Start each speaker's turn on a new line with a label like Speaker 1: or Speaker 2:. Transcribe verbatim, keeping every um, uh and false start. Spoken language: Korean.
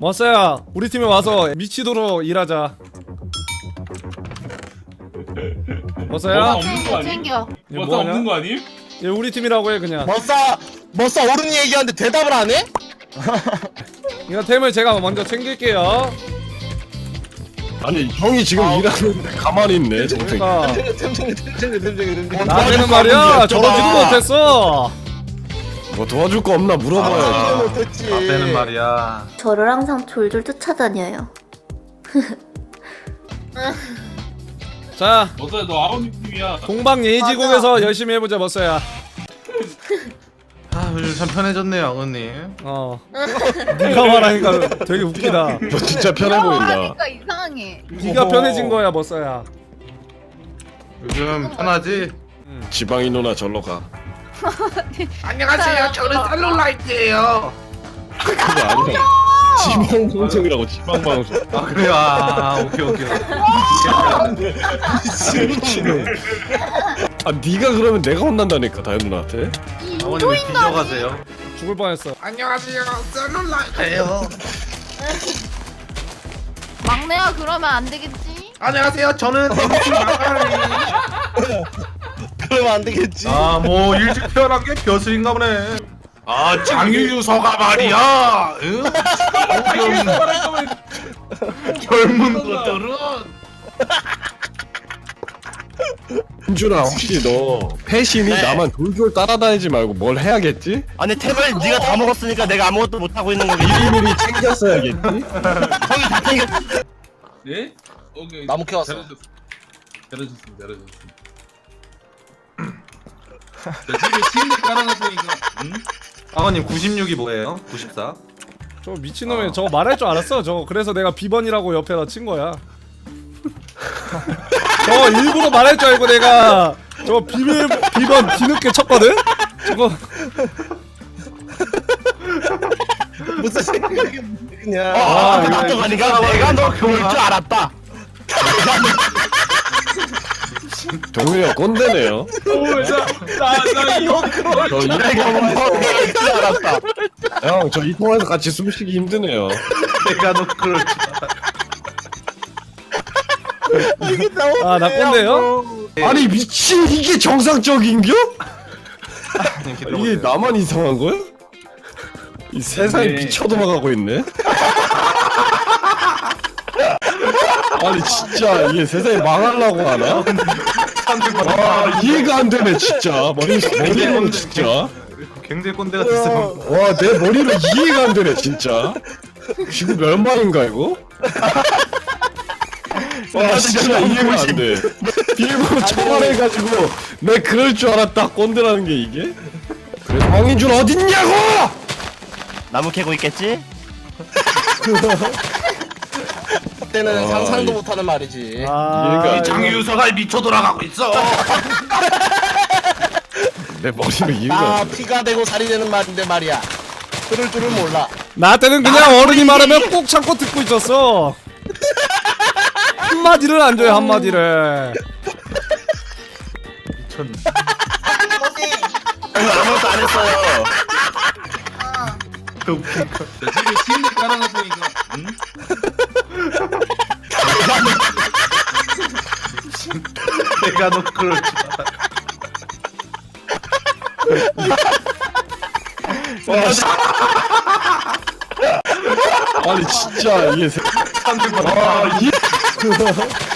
Speaker 1: 머싸야 우리 팀에 와서 미치도록 일하자.
Speaker 2: 머싸
Speaker 1: 머싸야
Speaker 2: 없는 거 아님?
Speaker 3: 챙겨.
Speaker 1: 얘
Speaker 2: 머싸
Speaker 1: 뭐하냐?
Speaker 2: 없는 거 아님?
Speaker 1: 얘 우리 팀이라고 해 그냥.
Speaker 4: 머싸 머싸 어른이 얘기하는데 대답을 안 해?
Speaker 1: 이거 템을 제가 먼저 챙길게요.
Speaker 5: 아니 형이 지금
Speaker 4: 아,
Speaker 5: 일하는데 가만히 있네 동생.
Speaker 1: 그러니까
Speaker 4: 템챙겨 템챙겨 템챙겨 템챙겨
Speaker 1: 나한테는 말이야 저러지도 못했어.
Speaker 5: 뭐 도와줄 거 없나 물어봐야지.
Speaker 4: 아, 못했지.
Speaker 6: 되는 말이야.
Speaker 7: 저를 항상 졸졸 쫓아다녀요.
Speaker 1: 자
Speaker 2: 머싸야 너 아버님 팀이야.
Speaker 1: 동방 예지국에서 열심히 해보자 머싸야.
Speaker 6: 아 요즘 참 편해졌네요 아버님.
Speaker 1: 어 네가 말하니까 되게 웃기다.
Speaker 5: 너 진짜 편해 보인다.
Speaker 3: 하니까 이상해.
Speaker 1: 네가 편해진 거야 머싸야.
Speaker 6: 요즘 편하지?
Speaker 5: 지방이 누나 절로 가.
Speaker 6: 안녕하세요. 저는 셀룰라이트예요.
Speaker 5: 그거 아니야. 지방 방송이라고 지방 방송.
Speaker 6: 아 그래요. 아 오케이 오케이.
Speaker 5: 미치네. 아 네가 그러면 내가 혼난다니까 다현 누나한테.
Speaker 6: 아버님 왜 뒤져가세요?
Speaker 1: 죽을 뻔했어.
Speaker 6: 안녕하세요. 셀룰라이트예요.
Speaker 3: 막내야 그러면 안 되겠지?
Speaker 6: 안녕하세요. 저는 엠씨 마가리.
Speaker 4: 그러면 안 되겠지.
Speaker 6: 아뭐 일찍 태어난 게 벼슬인가 보네. 아 장유유서가 말이야. 응? 젊은 것들은
Speaker 5: 민준아 혹시 너 패신이
Speaker 4: 네.
Speaker 5: 나만 돌돌 따라다니지 말고 뭘 해야겠지?
Speaker 4: 아니 템을 네가 다 먹었으니까 내가 아무것도 못 하고 있는 거겠지.
Speaker 5: 미리미리 챙겼어야겠지?
Speaker 4: 형이 다 챙겼.
Speaker 2: 네? 오케이.
Speaker 4: 나무 캐왔어.
Speaker 2: 잘해줬습니다. 잘해줬습니다. 잘해줬습니다. 자, 집에 침대 깔아놨으니까. 응?
Speaker 6: 아버님 구십육이 뭐예요? 구십사?
Speaker 1: 저 미친놈이 저거 말할 줄 알았어. 저거 그래서 내가 비번이라고 옆에다 친 거야. 저거 일부러 말할 줄 알고 내가 저거 비밀 비번 뒤늦게 쳤거든. 저거
Speaker 4: 무슨 생각이 그냥.
Speaker 1: 아,
Speaker 4: 아,
Speaker 1: 이거
Speaker 4: 이거 아니가 내가 너 그럴 줄 알았다.
Speaker 5: 동훈이가 꼰대네요.
Speaker 2: 오자나나 이거
Speaker 5: 저 이
Speaker 4: 내가 너 그럴 줄 알았다.
Speaker 5: 형, 저 이 통화에서 같이 숨쉬기 힘드네요.
Speaker 6: 내가 너 그럴 줄
Speaker 1: 아 나 꼰대요?
Speaker 5: 아니 미친 이게 정상적인겨?
Speaker 6: 알았다.
Speaker 5: 이게 나만 이상한 거야? 이 세상이
Speaker 2: 네.
Speaker 5: 미쳐 도망가고 있네. 아니 진짜 이게 세상이 망하려고 하나? 와 이해가 안 되네 진짜 머리 머리로 진짜.
Speaker 6: 굉장히 꼰대가 됐어.
Speaker 5: 와 내 머리로 이해가 안 되네 진짜. 지금 멸망인가 이거? 와 진짜 이해가 안 돼. 비밀번호 처벌해가지고 내 그럴 줄 알았다 꼰대라는 게 이게? 그래 황인준 어딨냐고!
Speaker 4: 나무 캐고 있겠지? 그때는
Speaker 5: 아,
Speaker 4: 상상도
Speaker 5: 이-
Speaker 4: 못하는 말이지.
Speaker 1: 아
Speaker 5: 얘가
Speaker 1: 이거-
Speaker 6: 장유서가 미쳐 돌아가고 있어.
Speaker 5: 내 머리로 이해가
Speaker 4: 아
Speaker 5: 안 돼.
Speaker 4: 피가 되고 살이 되는 말인데 말이야. 그럴 줄을 몰라.
Speaker 1: 나한테는 그냥 어른이 말하면 꼭 참고 듣고 있었어. 한마디를 안 줘요 한마디를.
Speaker 6: 미쳤네.
Speaker 4: 아무것도 안 했어요.
Speaker 6: 그 웃긴 거.
Speaker 2: 자, 집에 침대 깔아놨으니까. 응?
Speaker 6: 내가 너 그럴 줄
Speaker 5: 와, 씨. 아니 진짜 이게 세...
Speaker 6: 알았다.
Speaker 5: 와, 이...